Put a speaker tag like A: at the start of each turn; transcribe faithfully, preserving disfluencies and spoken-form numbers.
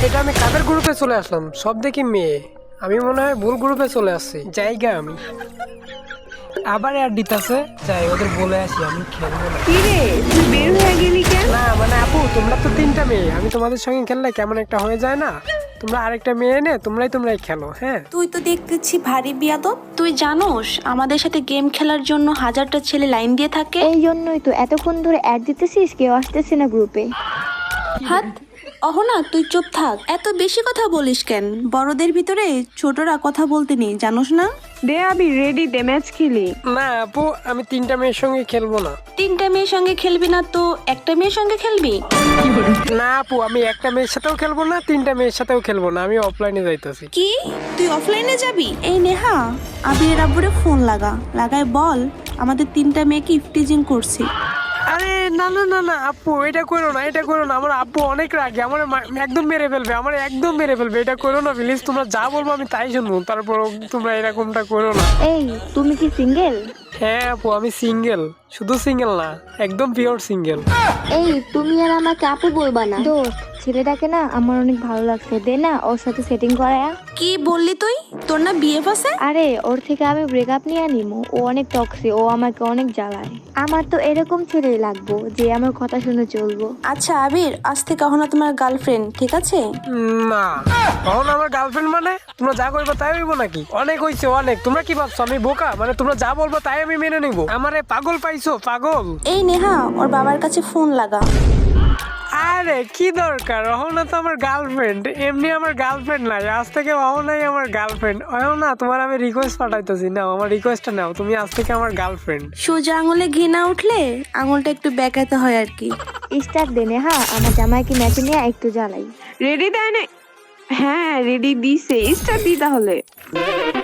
A: এটা আমি কাদের গ্রুপে চলে আসলাম? সব দেখি মেয়ে। আমি মনে হয় ভুল গ্রুপে চলে আসছি। জায়গা আমি আবার অ্যাড দিতেছে। যাই ওদের বলে আসি আমি খেলবো না।
B: কি রে তুই বের হয়ে গেলি কেন?
A: না মানে আপু তোমরা তো তিনটা মেয়ে, আমি তোমাদের সঙ্গে খেললে কেমন একটা হয়ে যায় না? তোমরা আরেকটা মেয়ে এনে তোমরাই তোমরাই খেলো। হ্যাঁ
C: তুই তো দেখতেছি ভারী বিয়াদব।
D: তুই জানোস আমাদের সাথে গেম খেলার জন্য হাজারটা ছেলে লাইন দিয়ে থাকে।
E: এই জন্যই তো এতক্ষণ ধরে অ্যাড দিতেছিস, কেউ আসতেছে না গ্রুপে।
D: হাত অহনা তুই চুপ থাক, এত বেশি কথা বলিস কেন? বড়দের ভিতরে ছোটরা কথা বলতে নেই, জানোস না?
B: দে আবি রেডি দে, ম্যাচ খেলি।
A: না আপু আমি তিনটা মেয়ের সঙ্গে খেলবো না।
D: তিনটা মেয়ের সঙ্গে খেলবি না তো একটা মেয়ের সঙ্গে খেলবি?
A: না আপু আমি একটা মেয়ের সাথেও খেলবো না, তিনটা মেয়ের সাথেও খেলবো না, আমি অফলাইনে যাইতেছি।
D: কি তুই অফলাইনে যাবি? এই নেহা আবির আব্বুরে ফোন লাগা, লাগায় বল আমাদের তিনটা মেয়েকে ইফটিজিং করছি।
A: আরে না না না না আপু এটা করো না, এটা করো না। আমার আব্বু অনেক রাগে, আমার একদম মেরে ফেলবে, আমার একদম মেরে ফেলবে। এটা করো না প্লিজ, তোমরা যা বলবো আমি তাই শুনবো, তারপর তোমরা এরকমটা করো না।
E: এই তুমি কি সিঙ্গেল?
A: হ্যাঁ আপু আমি সিঙ্গেল, শুধু সিঙ্গেল না একদম পিওর সিঙ্গেল।
E: এই তুমি আর আমাকে আপু বলবা না। দোস্ত ছেলেটাকে না আমার অনেক ভালো লাগছে, দে না ওর সাথে সেটিং করায়া।
D: কি বললি তুই? তোর না বিএফ আছে?
E: আরে ওর থেকে আমি ব্রেকআপ নিয়ে নিমু, ও অনেক টক্সি, ও আমাকে অনেক জ্বালায়। আমার তো এরকম ছেলেই লাগবো যে আমার কথা শুনে চলবো।
D: আচ্ছা আবির, আজ থেকে অহনা তোমার গার্লফ্রেন্ড, ঠিক আছে?
A: না তখন আমার গার্লফ্রেন্ড মানে তোমরা যা করবো তাই হইবো নাকি? অনেক হয়েছে অনেক। তোমরা কি ভাবছো আমি বোকা? মানে তোমরা যা বলবো তাই আমি মেনে নিবো? আমারে পাগল পাইছো? পাগল?
D: এই নেহা ওর বাবার কাছে ফোন লাগা।
A: আরে কি দরকার, অহনা তো আমার গার্লফ্রেন্ড, এমনি আমার গার্লফ্রেন্ড নাই, আজ থেকে অহনাই আমার গার্লফ্রেন্ড। অহনা তোমার আমি রিকোয়েস্ট পাঠাইতেছি, নাও আমার রিকোয়েস্টটা নাও, তুমি আজ থেকে আমার গার্লফ্রেন্ড।
D: সোজা আঙুলে ঘি না উঠলে আঙুলটা একটু বেঁকাতে হয় আর কি।
E: স্টার্ট দে নেহা, আমার জামাইকে ম্যাচে নিয়ে একটু জ্বালাই।
B: রেডি দেয় না? হ্যাঁ রেডি দিছে, স্টার্ট দি তাহলে।